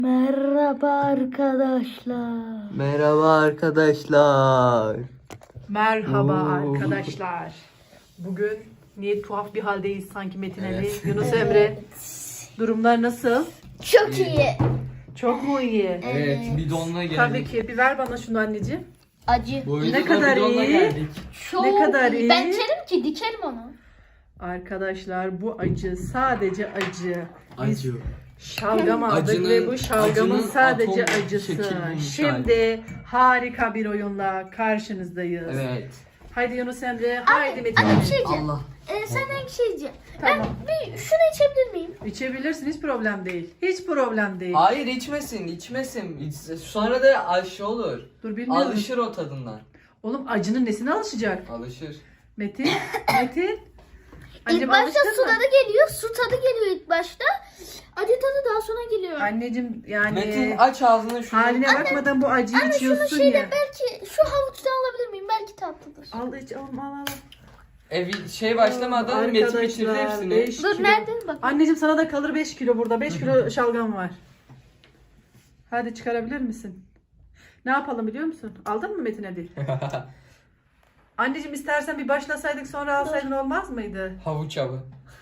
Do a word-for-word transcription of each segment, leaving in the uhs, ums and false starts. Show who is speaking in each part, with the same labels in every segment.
Speaker 1: Merhaba arkadaşlar.
Speaker 2: Merhaba arkadaşlar.
Speaker 3: Merhaba
Speaker 2: Oo.
Speaker 3: arkadaşlar. Bugün niye tuhaf bir haldeyiz sanki Metin Ali,
Speaker 2: Evet.
Speaker 3: Yunus Emre. Durumlar nasıl?
Speaker 1: Çok iyi.
Speaker 3: Çok mu iyi?
Speaker 2: Evet, bidonla geldik.
Speaker 3: Tabii ki. Bir ver bana şunu anneciğim.
Speaker 1: Acı.
Speaker 2: Bu
Speaker 3: Ne
Speaker 2: videoda
Speaker 3: kadar
Speaker 2: bidonla
Speaker 3: iyi.
Speaker 2: geldik.
Speaker 1: Çok
Speaker 3: Ne kadar
Speaker 1: iyi.
Speaker 3: iyi.
Speaker 1: Ben içerim ki dikerim onu.
Speaker 3: Arkadaşlar bu acı sadece acı. Biz
Speaker 2: Acı.
Speaker 3: şalgam aldık
Speaker 2: Acının-
Speaker 3: ve bu şalgamın
Speaker 2: acının
Speaker 3: sadece
Speaker 2: atom
Speaker 3: acısı.
Speaker 2: şekillenmiş
Speaker 3: Şimdi harika bir oyunla karşınızdayız.
Speaker 2: Evet.
Speaker 3: Haydi Yunus Emre, haydi Metin
Speaker 1: Anne bir
Speaker 3: Ali.
Speaker 1: şey diyeceğim.
Speaker 2: Allah.
Speaker 1: Ee, senden bir şey diyeceğim.
Speaker 3: Tamam.
Speaker 1: Ben bir şunu içebilir miyim?
Speaker 3: İçebilirsin, hiç problem değil. Hiç problem değil.
Speaker 2: Hayır içmesin, içmesin. İçse- Sonra da aşı olur.
Speaker 3: Dur bilmiyorum.
Speaker 2: Alışır o tadından.
Speaker 3: Oğlum acının nesine alışacak?
Speaker 2: Alışır.
Speaker 3: Metin, Metin.
Speaker 1: İlk
Speaker 3: Anneciğim
Speaker 1: başta
Speaker 3: alıştın
Speaker 1: su
Speaker 3: mı?
Speaker 1: tadı geliyor. Su tadı geliyor ilk başta. Acı tadı daha sonra geliyor.
Speaker 3: Anneciğim yani
Speaker 2: Metin aç ağzını şunu.
Speaker 3: haline bakmadan bu acıyı
Speaker 1: Anne şunu
Speaker 3: içiyorsun
Speaker 1: şeyle
Speaker 3: ya.
Speaker 1: belki şu havuçtan alabilir miyim? Belki tatlıdır.
Speaker 3: Al iç, al al al.
Speaker 2: Evi şey başlamadan Metin bitirdi hepsini.
Speaker 3: beş
Speaker 1: Dur
Speaker 3: kilo.
Speaker 1: nerede? Bak.
Speaker 3: Anneciğim sana da kalır beş kilo burada. beş kilo şalgam var. Hadi çıkarabilir misin? Ne yapalım biliyor musun? Aldın mı Metin hadi? Anneciğim istersen bir başlasaydık sonra alsaydın olmaz mıydı?
Speaker 2: Havuç avı.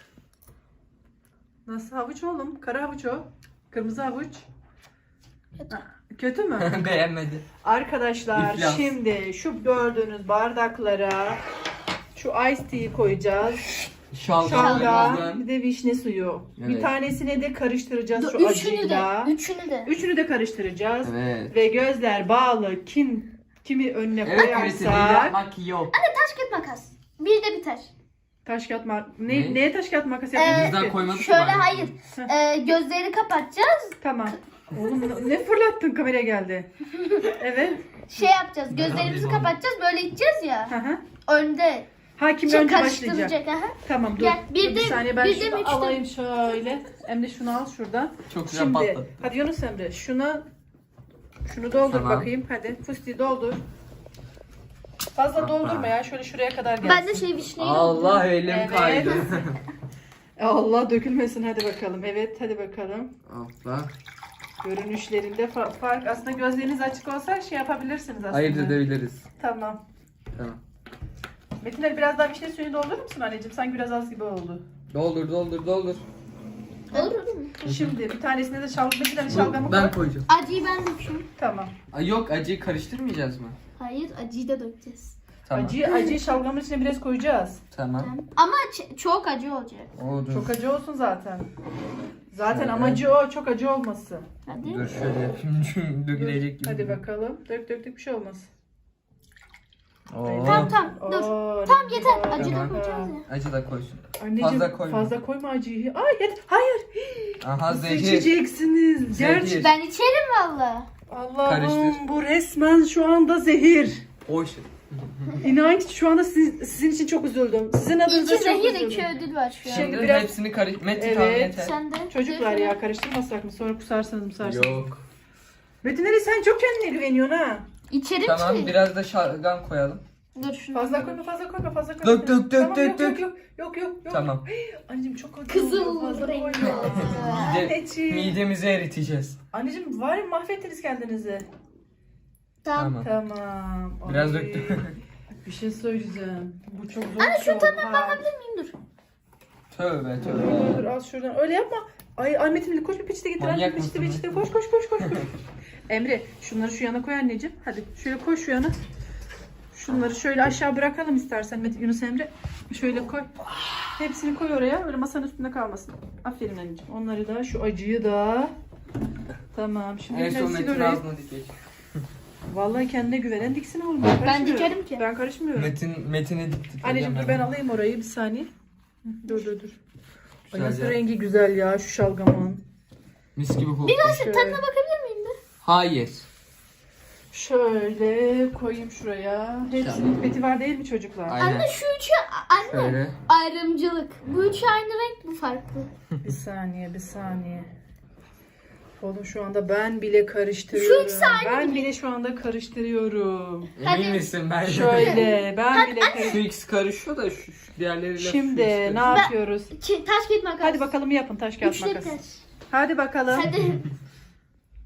Speaker 3: Nasıl havuç oğlum? Kara havuç o. Kırmızı havuç.
Speaker 1: Kötü.
Speaker 3: Ha, kötü mü?
Speaker 2: Beğenmedi.
Speaker 3: Arkadaşlar
Speaker 2: İflas.
Speaker 3: şimdi şu gördüğünüz bardaklara şu ice tea'yi koyacağız.
Speaker 2: Şalgam.
Speaker 3: Şalgam,
Speaker 2: limon.
Speaker 3: bir de vişne suyu. Bir
Speaker 2: Evet.
Speaker 3: tanesine de karıştıracağız
Speaker 1: Dur,
Speaker 3: şu
Speaker 1: üçünü de.
Speaker 3: acıyla.
Speaker 1: Üçünü de.
Speaker 3: Üçünü de karıştıracağız.
Speaker 2: Evet.
Speaker 3: Ve gözler bağlı kim kimi önüne
Speaker 2: Evet Metin
Speaker 3: koyarsak
Speaker 2: yapmak yok.
Speaker 1: Taş kağıt makas. Bir de biter.
Speaker 3: taş kağıt ma- ne,
Speaker 2: Ne?
Speaker 3: neye taş kağıt makas
Speaker 1: Ee,
Speaker 3: yapıyoruz
Speaker 2: Bizden
Speaker 3: ki?
Speaker 2: koymadık
Speaker 1: Şöyle
Speaker 2: mı?
Speaker 1: hayır. Ee, gözleri kapatacağız.
Speaker 3: Tamam. Oğlum ne fırlattın, kameraya geldi. Evet.
Speaker 1: Şey yapacağız. Gözlerimizi
Speaker 2: alayım onu.
Speaker 1: kapatacağız. Böyle içeceğiz ya.
Speaker 3: Hı hı.
Speaker 1: Önde.
Speaker 3: Ha kim
Speaker 1: Şey
Speaker 3: önce başlayacak?
Speaker 1: karıştıracak. Aha.
Speaker 3: Tamam dur.
Speaker 1: Gel, bir
Speaker 3: Dur
Speaker 1: de-
Speaker 3: saniye ben
Speaker 1: bir de
Speaker 3: şunu
Speaker 1: üçte-
Speaker 3: alayım şöyle. Emre şunu al şuradan.
Speaker 2: Çok güzel
Speaker 3: Şimdi
Speaker 2: patladı.
Speaker 3: hadi Yunus Emre şuna şunu doldur
Speaker 2: Tamam.
Speaker 3: bakayım hadi. Fıstığı doldur. Fazla
Speaker 2: Hoppa.
Speaker 3: doldurma ya, şöyle şuraya kadar gelsin.
Speaker 1: Ben de şey vişneyi
Speaker 2: Allah elim
Speaker 3: Evet.
Speaker 2: kaydı.
Speaker 3: Allah dökülmesin, hadi bakalım. Evet hadi bakalım.
Speaker 2: Allah.
Speaker 3: Görünüşlerinde fa- fark, aslında gözleriniz açık olsa şey yapabilirsiniz aslında.
Speaker 2: Ayırt edebiliriz.
Speaker 3: Tamam.
Speaker 2: Tamam.
Speaker 3: Metin Ali biraz daha vişne suyunu doldurur musun anneciğim? Sanki biraz az gibi oldu.
Speaker 2: Doldur doldur doldur.
Speaker 1: Olur mu?
Speaker 3: Şimdi bir tanesine de şalgam, Metin Ali
Speaker 2: Bu-
Speaker 3: şalgamı
Speaker 2: ben
Speaker 3: koy.
Speaker 2: koyacağım.
Speaker 1: Acıyı ben döküyorum.
Speaker 3: Tamam.
Speaker 2: Ay yok acıyı karıştırmayacağız mı?
Speaker 1: Hayır, acıyı da dökeceğiz.
Speaker 2: Tamam.
Speaker 3: Acıyı, acıyı şalgamın içine biraz koyacağız.
Speaker 2: Tamam.
Speaker 1: Ama ç- çok acı olacak.
Speaker 2: O dur.
Speaker 3: Çok acı olsun zaten. Zaten
Speaker 2: Şöyle.
Speaker 3: amacı o, çok acı olması.
Speaker 1: Hadi.
Speaker 2: Dur şöyle yapayım. Çünkü dökülecek gibi.
Speaker 3: Hadi bakalım. Dök dök dök, bir şey olmaz.
Speaker 2: Oo.
Speaker 1: Tamam tamam dur.
Speaker 3: Oo,
Speaker 1: Tamam
Speaker 3: rengi
Speaker 1: yeter.
Speaker 3: var.
Speaker 1: Acı da
Speaker 2: Tamam.
Speaker 1: koyacağız ya.
Speaker 2: Acı da koysun.
Speaker 3: Anneciğim
Speaker 2: Fazla
Speaker 3: fazla
Speaker 2: koyma.
Speaker 3: koyma, acıyı. Ay yet hayır.
Speaker 2: Aha
Speaker 3: Nasıl
Speaker 2: zehir.
Speaker 3: içeceksiniz?
Speaker 2: Zehir.
Speaker 3: Gerçi
Speaker 1: Ben içerim valla.
Speaker 3: Allah'ım
Speaker 2: Karıştır.
Speaker 3: bu resmen şu anda zehir.
Speaker 2: Hoş.
Speaker 3: İnan ki şu anda siz- sizin için çok üzüldüm. Sizin adınıza
Speaker 1: İki
Speaker 3: çok
Speaker 1: zehir
Speaker 3: üzüldüm.
Speaker 1: iki ödül var şu an.
Speaker 3: Şimdi
Speaker 2: Şimdi
Speaker 3: biraz-
Speaker 2: hepsini karış... Metin
Speaker 3: Evet.
Speaker 2: tamam yeter.
Speaker 1: Sen de.
Speaker 3: Çocuklar
Speaker 1: Zehir.
Speaker 3: ya, karıştırmasak mı? Sonra kusarsanız musarsınız.
Speaker 2: Yok.
Speaker 3: Metin Ali sen çok kendine güveniyorsun ha.
Speaker 1: İçerim
Speaker 2: Tamam
Speaker 1: ki.
Speaker 2: biraz da şalgam koyalım.
Speaker 1: Dur şunu.
Speaker 3: Fazla koyma, fazla koyma, fazla koyma.
Speaker 2: Dök, dök, dök,
Speaker 3: Tamam,
Speaker 2: dök,
Speaker 3: yok,
Speaker 2: dök.
Speaker 3: Yok yok yok yok.
Speaker 2: Tamam.
Speaker 3: Anneciğim çok acı
Speaker 1: Kızıl
Speaker 3: oluyor, fazla
Speaker 1: rengi
Speaker 3: koyma.
Speaker 1: oldu.
Speaker 2: Mide,
Speaker 3: Anneciğim.
Speaker 2: midemizi eriteceğiz.
Speaker 3: Anneciğim var ya, mahvettiniz kendinizi.
Speaker 1: Tamam.
Speaker 2: Tamam.
Speaker 3: Tamam.
Speaker 2: Biraz
Speaker 3: Ay,
Speaker 2: döktüm.
Speaker 3: Bir şey söyleyeceğim. Bu çok zor.
Speaker 1: Anne
Speaker 3: bir şey
Speaker 1: şu
Speaker 3: oldu,
Speaker 1: tadına
Speaker 3: ha.
Speaker 1: bakabilir miyim? Dur.
Speaker 2: Tövbe
Speaker 3: Dur, dur, dur,
Speaker 2: tövbe.
Speaker 3: al şuradan. Öyle yapma. Ay, ay Metin Ali koş bir peçete getir.
Speaker 2: Manyak
Speaker 3: Anne, peçete
Speaker 2: mısın
Speaker 3: peçete. Koş koş koş koş. koş. Emre şunları şu yana koy anneciğim. Hadi şöyle koy şu yana. Şunları şöyle aşağı bırakalım istersen Metin, Yunus Emre. Şöyle koy. Hepsini koy oraya. Öyle masanın üstünde kalmasın. Aferin anneciğim. Onları da, şu acıyı da. Tamam. Şimdi
Speaker 2: En son
Speaker 3: biraz sil
Speaker 2: Metin
Speaker 3: orayı.
Speaker 2: ağzına dikecek.
Speaker 3: Vallahi kendine güvenen diksin oğlum.
Speaker 1: Ben
Speaker 3: karışmıyorum.
Speaker 1: dikerim ki.
Speaker 3: Ben karışmıyorum.
Speaker 2: Metin, Metin'e diktik.
Speaker 3: Anneciğim dur, ben alayım orayı bir saniye. Hı, Dur dur dur. Ay, nasıl
Speaker 2: Güzel ya.
Speaker 3: rengi güzel ya şu şalgamın.
Speaker 2: Mis gibi koktu.
Speaker 3: Şöyle,
Speaker 1: Tadına bakabilir miyim de?
Speaker 2: Hayır.
Speaker 3: şöyle koyayım şuraya. Hepsinin peti var değil mi çocuklar?
Speaker 2: Aynen.
Speaker 1: Anne şu üçü anne
Speaker 2: Şöyle.
Speaker 1: ayrımcılık. Bu üçü aynı renk, bu farklı.
Speaker 3: Bir saniye bir saniye. Oğlum şu anda ben bile karıştırıyorum.
Speaker 1: Şu ikisi aynı
Speaker 3: Ben bile şu anda karıştırıyorum.
Speaker 1: Hadi.
Speaker 2: Emin misin ben?
Speaker 3: Şöyle ben bile
Speaker 2: Şu
Speaker 3: karıştırıyorum.
Speaker 2: ikisi karışıyor da şu, şu diğerleriyle
Speaker 3: Şimdi
Speaker 2: şu ikisi
Speaker 3: ne
Speaker 2: karışıyor.
Speaker 3: yapıyoruz?
Speaker 1: Ki, taş kağıt makas.
Speaker 3: Hadi bakalım yapın taş kağıt
Speaker 1: Üçlü
Speaker 3: makas.
Speaker 1: taş.
Speaker 3: Hadi bakalım.
Speaker 1: Hadi.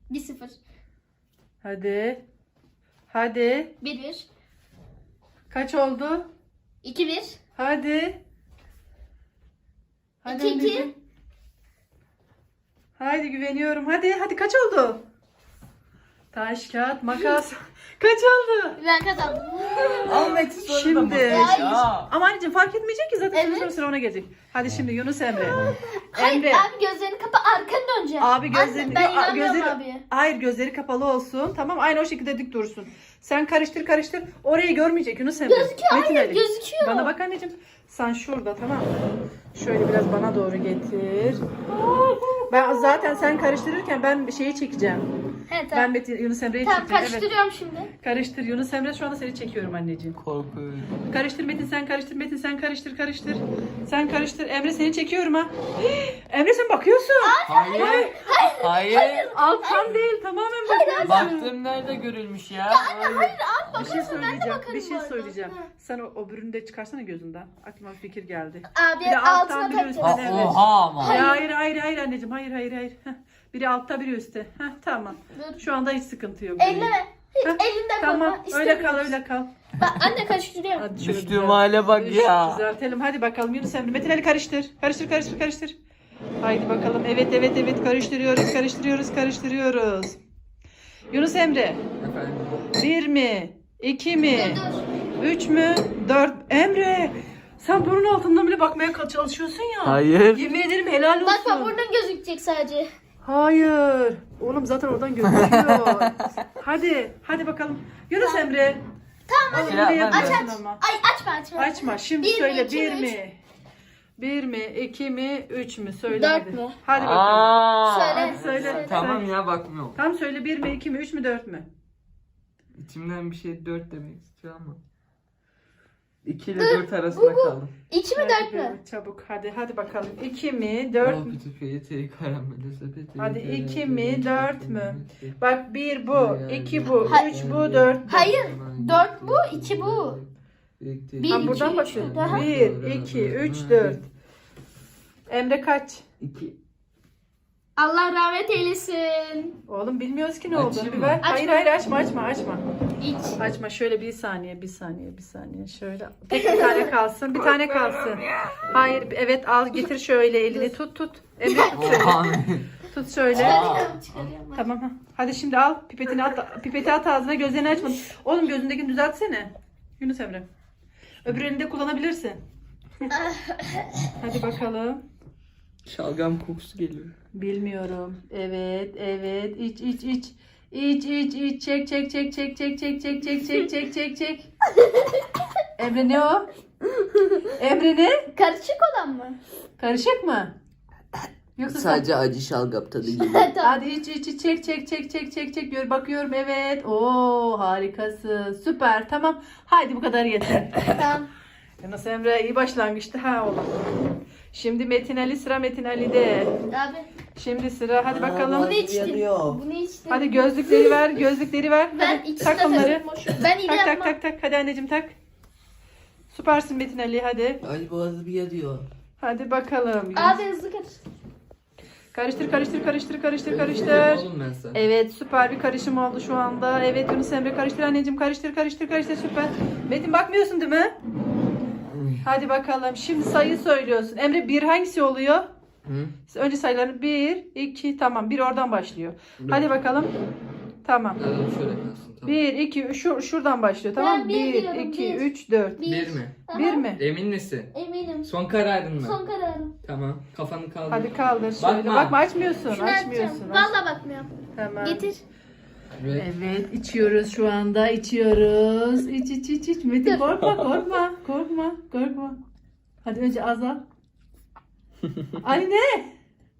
Speaker 1: bir sıfır.
Speaker 3: Hadi. Hadi.
Speaker 1: bir bir.
Speaker 3: Kaç oldu?
Speaker 1: iki bir.
Speaker 3: Hadi. Hadi
Speaker 1: iki iki.
Speaker 3: anneciğim. Haydi güveniyorum. Hadi hadi kaç oldu? Taş, kağıt, makas. Kaç oldu?
Speaker 1: Ben kazandım.
Speaker 2: Al Metin sonra da
Speaker 3: Şimdi.
Speaker 2: mutlu
Speaker 1: Hayır.
Speaker 2: ya.
Speaker 3: Ama anneciğim fark etmeyecek ki zaten
Speaker 1: Evet.
Speaker 3: sonra sıra ona gelecek. Hadi şimdi Yunus Emre.
Speaker 1: Hayır
Speaker 3: Emre.
Speaker 1: abi gözlerini kapa arkanı döneceksin.
Speaker 3: Abi gözlerini...
Speaker 1: Ben
Speaker 3: Aa,
Speaker 1: inanmıyorum
Speaker 3: gözleri-
Speaker 1: abiye.
Speaker 3: Hayır gözleri kapalı olsun. Tamam aynı o şekilde dik dursun. Sen karıştır karıştır. Orayı görmeyecek Yunus Emre.
Speaker 1: Gözüküyor,
Speaker 3: Metin
Speaker 1: hayır,
Speaker 3: Ali.
Speaker 1: gözüküyor.
Speaker 3: Bana bak anneciğim. Sen şurada tamam mı? Şöyle biraz bana doğru getir. Ben zaten sen karıştırırken ben şeyi çekeceğim.
Speaker 1: He
Speaker 3: Ben
Speaker 1: tamam.
Speaker 3: Metin, Yunus Emre'yi
Speaker 1: Tamam
Speaker 3: çekeceğim. Evet.
Speaker 1: karıştırıyorum şimdi.
Speaker 3: Karıştır Yunus Emre şu anda seni çekiyorum anneciğim.
Speaker 2: Korkuyorum.
Speaker 3: Karıştır Metin sen karıştır Metin sen karıştır karıştır. Sen karıştır Emre seni çekiyorum ha. Emre sen bakıyorsun.
Speaker 2: Hayır. Hayır.
Speaker 3: Alttan değil tamamen bakıyorsun.
Speaker 2: Baktığım nerede görülmüş ya?
Speaker 3: Bir şey söyleyeceğim.
Speaker 1: bakarım
Speaker 3: Bir şey
Speaker 1: bu arada.
Speaker 3: söyleyeceğim.
Speaker 1: Ha.
Speaker 3: Sen o, o bürünü de çıkarsana gözünden. Aklıma bir fikir geldi.
Speaker 1: Abi
Speaker 3: Bir de alttan
Speaker 1: altına
Speaker 3: biri
Speaker 1: takacağız.
Speaker 3: üstten.
Speaker 2: Aa,
Speaker 3: Evet.
Speaker 2: oha ama.
Speaker 3: Ya hayır hayır hayır anneciğim hayır hayır hayır. Heh. Biri altta biri üstte. Heh, tamam.
Speaker 1: Dur.
Speaker 3: Şu anda hiç sıkıntı yok.
Speaker 1: Elleme. Hiç
Speaker 3: Heh,
Speaker 1: elinde
Speaker 3: Tamam
Speaker 1: koyma.
Speaker 3: öyle kal
Speaker 1: İstemiyoruz.
Speaker 3: öyle kal.
Speaker 1: Bak anne karıştırıyorum.
Speaker 3: Hadi şöyle
Speaker 2: Düştüğüm
Speaker 3: düzelt-
Speaker 2: hale bak
Speaker 3: düz-
Speaker 2: ya.
Speaker 3: Düzeltelim hadi bakalım Yunus Emre. Metin Ali karıştır. Karıştır karıştır karıştır. Haydi bakalım. Evet evet evet karıştırıyoruz karıştırıyoruz karıştırıyoruz. Yunus Emre.
Speaker 2: Efendim.
Speaker 3: Bir mi? İki mi?
Speaker 1: Dur dur.
Speaker 3: Üç mü? Dört. Emre. Sen bunun altından bile bakmaya çalışıyorsun ya.
Speaker 2: Hayır.
Speaker 3: Yemin ederim helal olsun.
Speaker 1: Bak bak buradan gözükecek sadece.
Speaker 3: Hayır. Oğlum zaten oradan gözüküyor. Hadi. Hadi bakalım. Yunus Emre.
Speaker 1: Tamam
Speaker 3: Oğlum
Speaker 2: Şey
Speaker 3: yine
Speaker 2: yapmam
Speaker 3: yapıyorsun
Speaker 2: lazım.
Speaker 3: ama.
Speaker 1: Ay açma açma.
Speaker 3: Açma. Şimdi
Speaker 1: Bir mi,
Speaker 3: söyle.
Speaker 1: iki
Speaker 3: Bir
Speaker 1: mi, üç?
Speaker 3: mi? Bir mi? İki mi? Üç mü? Söyle
Speaker 1: Dört
Speaker 3: hadi.
Speaker 1: mü?
Speaker 3: Hadi bakalım.
Speaker 2: Aa.
Speaker 1: Söyle.
Speaker 3: Hadi söyle.
Speaker 1: Söyle.
Speaker 2: Tamam
Speaker 3: Söyle.
Speaker 2: ya bakmıyorum.
Speaker 3: Tam söyle. Bir mi? İki mi? Üç mü? Dört mü?
Speaker 2: İçimden bir şey dört demek istiyor ama. iki ile dört arasında kaldım.
Speaker 1: İki mi dört mü?
Speaker 3: Hadi çabuk. Hadi hadi bakalım. İki mi? Dört mü? Hadi iki mi, dört mü? Bak bir bu, iki bu,
Speaker 1: Hayır.
Speaker 3: üç bu, dört bu.
Speaker 1: Hayır. Dört bu, iki bu. Bir,
Speaker 3: Ha,
Speaker 1: iki,
Speaker 3: buradan
Speaker 1: üç,
Speaker 3: bakıyorum.
Speaker 1: daha.
Speaker 3: Bir, iki, üç, dört. Emre kaç?
Speaker 2: iki.
Speaker 1: Allah rahmet eylesin.
Speaker 3: Oğlum bilmiyoruz ki ne olduğunu.
Speaker 2: Açayım
Speaker 3: Bir
Speaker 2: mı?
Speaker 3: ver.
Speaker 1: Açma.
Speaker 3: Hayır hayır açma açma açma.
Speaker 1: İç.
Speaker 3: Açma şöyle bir saniye bir saniye bir saniye şöyle. Tek bir tane kalsın bir tane kalsın. Hayır evet al getir şöyle elini tut tut. Emre tut şöyle.
Speaker 2: Oha.
Speaker 3: Tut şöyle.
Speaker 1: Çıkarıyorum, çıkarıyorum.
Speaker 3: Tamam ha. Hadi şimdi al pipetini at pipeti at ağzına gözlerini açma. Oğlum gözündekini düzeltsene. Yunus Emre. Öbür elini de kullanabilirsin. Hadi bakalım.
Speaker 2: Şalgam kokusu geliyor.
Speaker 3: Bilmiyorum. Evet, evet. İç, iç, iç. İç, iç, iç. Çek, çek, çek, çek, çek, çek, çek, çek, çek, çek, çek, çek. Emre ne o? Emre ne?
Speaker 1: Karışık olan mı?
Speaker 3: Karışık mı? Yoksa sen...
Speaker 2: Sadece acı şalgam tadı geliyor.
Speaker 1: tamam.
Speaker 3: Hadi iç, iç, iç. Çek, çek, çek, çek, çek, çek. Gör, bakıyorum. Evet. Oo, harikasın. Süper. Tamam. Haydi bu kadar yeter.
Speaker 1: Tamam.
Speaker 3: Yunus Emre iyi başlangıçtı ha oğlum. Şimdi Metin Ali sıra Metin Ali'de.
Speaker 1: Abi.
Speaker 3: Şimdi sıra hadi bakalım.
Speaker 1: Bunu içtim. Bunu içtim.
Speaker 3: Hadi gözlükleri ver, gözlükleri ver.
Speaker 1: Ben
Speaker 3: Hadi,
Speaker 1: içtim.
Speaker 3: tak onları.
Speaker 1: Ben iyi
Speaker 3: Tak tak
Speaker 1: yapmam.
Speaker 3: tak tak. Hadi anneciğim tak. Süpersin Metin Ali hadi.
Speaker 2: Ay boğazım yanıyor.
Speaker 3: Hadi bakalım.
Speaker 1: Abi hızlı karıştır.
Speaker 3: Karıştır karıştır karıştır karıştır karıştır.
Speaker 2: Oğlum ben sana.
Speaker 3: Evet süper bir karışım oldu şu anda. Evet Yunus Emre karıştır anneciğim karıştır karıştır karıştır süper. Metin bakmıyorsun değil mi? Hadi bakalım. Şimdi sayı söylüyorsun. Emre bir hangisi oluyor?
Speaker 2: Hı?
Speaker 3: Önce sayıları bir, iki tamam. Bir oradan başlıyor. Hadi bakalım. Tamam.
Speaker 2: Evet, şöyle kalsın tamam.
Speaker 3: bir, iki, şu, şuradan başlıyor tamam mı?
Speaker 1: Ben bir
Speaker 3: bir,
Speaker 1: diyorum,
Speaker 3: iki,
Speaker 1: bir.
Speaker 3: üç, dört.
Speaker 2: Bir mi?
Speaker 1: Aha,
Speaker 3: bir mi?
Speaker 2: Emin misin?
Speaker 1: Eminim.
Speaker 2: Son kararın mı?
Speaker 1: Son kararım.
Speaker 2: Tamam. Kafanı kaldır.
Speaker 3: Hadi kaldır şöyle.
Speaker 2: Bakma.
Speaker 3: Bakma açmıyorsun.
Speaker 1: Şunu
Speaker 3: açmıyorsun.
Speaker 1: açacağım. Valla bakmıyorum.
Speaker 3: Tamam.
Speaker 1: Getir.
Speaker 2: Evet.
Speaker 3: Evet içiyoruz şu anda içiyoruz. İç iç iç iç. Metin
Speaker 1: Dur.
Speaker 3: korkma korkma korkma korkma. Hadi önce az al. Ay ne?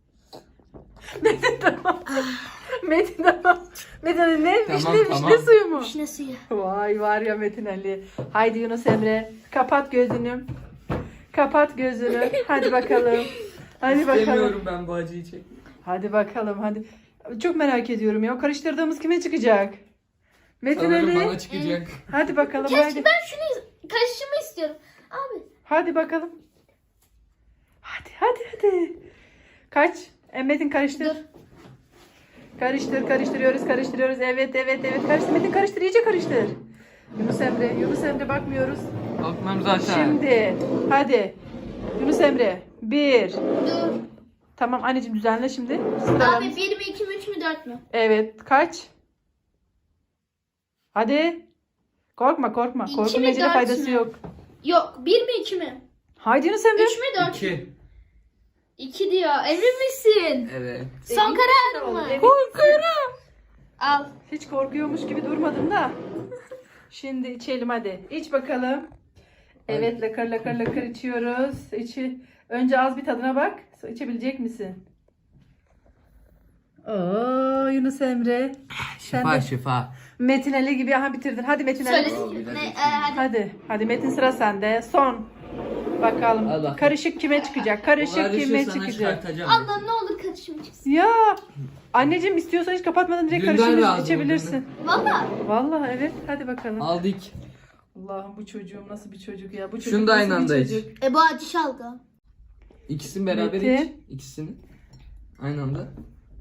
Speaker 3: Metin tamam. Metin tamam. Metin Ali ne?
Speaker 2: Tamam,
Speaker 3: vişne,
Speaker 2: tamam.
Speaker 3: vişne suyu mu?
Speaker 1: Vişne suyu.
Speaker 3: Vay var ya Metin Ali. Haydi Yunus Emre. Kapat gözünü. Kapat gözünü. Hadi bakalım. Hadi bakalım.
Speaker 2: İstemiyorum ben bu acıyı çek.
Speaker 3: Hadi bakalım hadi. Çok merak ediyorum ya. O karıştırdığımız kime çıkacak? Metin
Speaker 2: Sanırım
Speaker 3: Ali.
Speaker 2: bana çıkacak.
Speaker 3: Hadi bakalım
Speaker 1: Keşke
Speaker 3: hadi.
Speaker 1: ben şunu karışımı istiyorum. Abi.
Speaker 3: Hadi bakalım. Hadi hadi hadi. Kaç? E, Metin karıştır.
Speaker 1: Dur.
Speaker 3: Karıştır, karıştırıyoruz, karıştırıyoruz. Evet, evet, evet. Karıştır Metin, karıştır, iyice karıştır. Yunus Emre, Yunus Emre bakmıyoruz.
Speaker 2: Bakmam zaten.
Speaker 3: Şimdi, hadi. Yunus Emre, bir.
Speaker 1: Dur.
Speaker 3: Tamam anneciğim düzenle şimdi.
Speaker 1: Abi
Speaker 3: Sıralarını.
Speaker 1: bir mi iki mi üç mü dört mü?
Speaker 3: Evet, kaç? Hadi. Korkma, korkma.
Speaker 1: İki
Speaker 3: Korkunun
Speaker 1: mi,
Speaker 3: necine
Speaker 1: dört
Speaker 3: faydası
Speaker 1: mü?
Speaker 3: yok.
Speaker 1: Yok bir mi iki mi?
Speaker 3: Haydi Yunus Emre.
Speaker 1: Üç mü dört mü?
Speaker 2: İki.
Speaker 1: İki diyor. Emin misin?
Speaker 2: Evet.
Speaker 1: Son kararın mı?
Speaker 3: Evet.
Speaker 1: Korkuyorum. Al.
Speaker 3: Hiç korkuyormuş gibi durmadım da. Şimdi içelim hadi. İç bakalım. Evet lakır lakır lakır içiyoruz. İçi. Önce az bir tadına bak. Sonra İçebilecek misin? Oo Yunus Emre. Sen
Speaker 2: Şifa
Speaker 3: de
Speaker 2: şifa.
Speaker 3: Metin Ali gibi aha bitirdin. Hadi Metin Ali.
Speaker 1: Söylesin.
Speaker 2: biraz
Speaker 1: Ne,
Speaker 2: içeyim.
Speaker 1: e, hadi.
Speaker 3: Hadi. Hadi Metin sıra sende. Son. Bakalım.
Speaker 2: Al bakalım.
Speaker 3: Karışık kime çıkacak?
Speaker 2: O
Speaker 3: Karışık
Speaker 2: karışı
Speaker 3: kime
Speaker 2: sana
Speaker 3: çıkacak?
Speaker 2: çıkartacağım.
Speaker 1: Allah ne olur karışım çıksın.
Speaker 3: Ya. Anneciğim istiyorsan hiç kapatmadan direkt
Speaker 2: Dünden
Speaker 3: karışık
Speaker 2: razı
Speaker 3: içebilirsin.
Speaker 1: Valla.
Speaker 3: Vallahi evet. Hadi bakalım.
Speaker 2: Aldık.
Speaker 3: Allah'ım bu çocuğum nasıl bir çocuk ya. Bu çocuk
Speaker 2: Şunu da
Speaker 3: nasıl
Speaker 2: aynı
Speaker 3: bir
Speaker 2: anda iç.
Speaker 3: çocuk?
Speaker 1: E bu acı şalgam.
Speaker 2: İkisini beraber
Speaker 3: Metin.
Speaker 2: iç. İkisini. Aynı anda.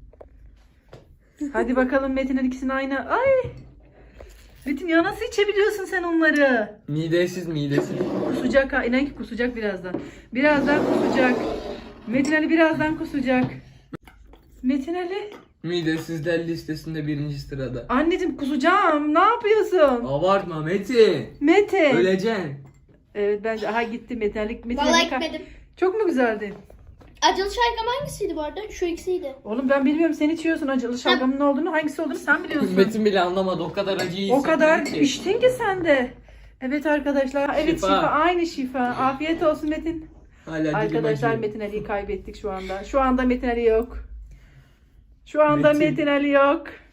Speaker 3: Hadi bakalım Metin'in ikisini aynı. Ay. Metin ya nasıl içebiliyorsun sen onları?
Speaker 2: Midesiz midesiz.
Speaker 3: Kusacak ha. İnan ki kusacak birazdan. Birazdan kusacak. Metin Ali birazdan kusacak. Metin Ali.
Speaker 2: Midesizler listesinde birinci sırada.
Speaker 3: Anneciğim kusacağım. Ne yapıyorsun?
Speaker 2: Abartma Metin.
Speaker 3: Metin.
Speaker 2: Öleceksin.
Speaker 3: Evet bence aha gitti Metin Ali. Metin
Speaker 1: Valla
Speaker 3: Ali-
Speaker 1: gitmedim.
Speaker 3: Çok mu güzeldi?
Speaker 1: Acılı şalgam hangisiydi bu arada? Şu ikisiydi.
Speaker 3: Oğlum ben bilmiyorum sen içiyorsun acılı şalgamın ne olduğunu hangisi olduğunu sen biliyorsun.
Speaker 2: Metin bile anlamadı. O kadar acıyı
Speaker 3: O kadar
Speaker 2: hissetmedi ki.
Speaker 3: içtin ki sen de. Evet arkadaşlar. Evet şifa.
Speaker 2: Şifa.
Speaker 3: Aynı şifa. Afiyet olsun Metin.
Speaker 2: Hala dilim
Speaker 3: Arkadaşlar
Speaker 2: acıyor.
Speaker 3: Metin Ali'yi kaybettik şu anda. Şu anda Metin Ali yok. Şu anda
Speaker 2: Metin.
Speaker 3: Metin Ali yok.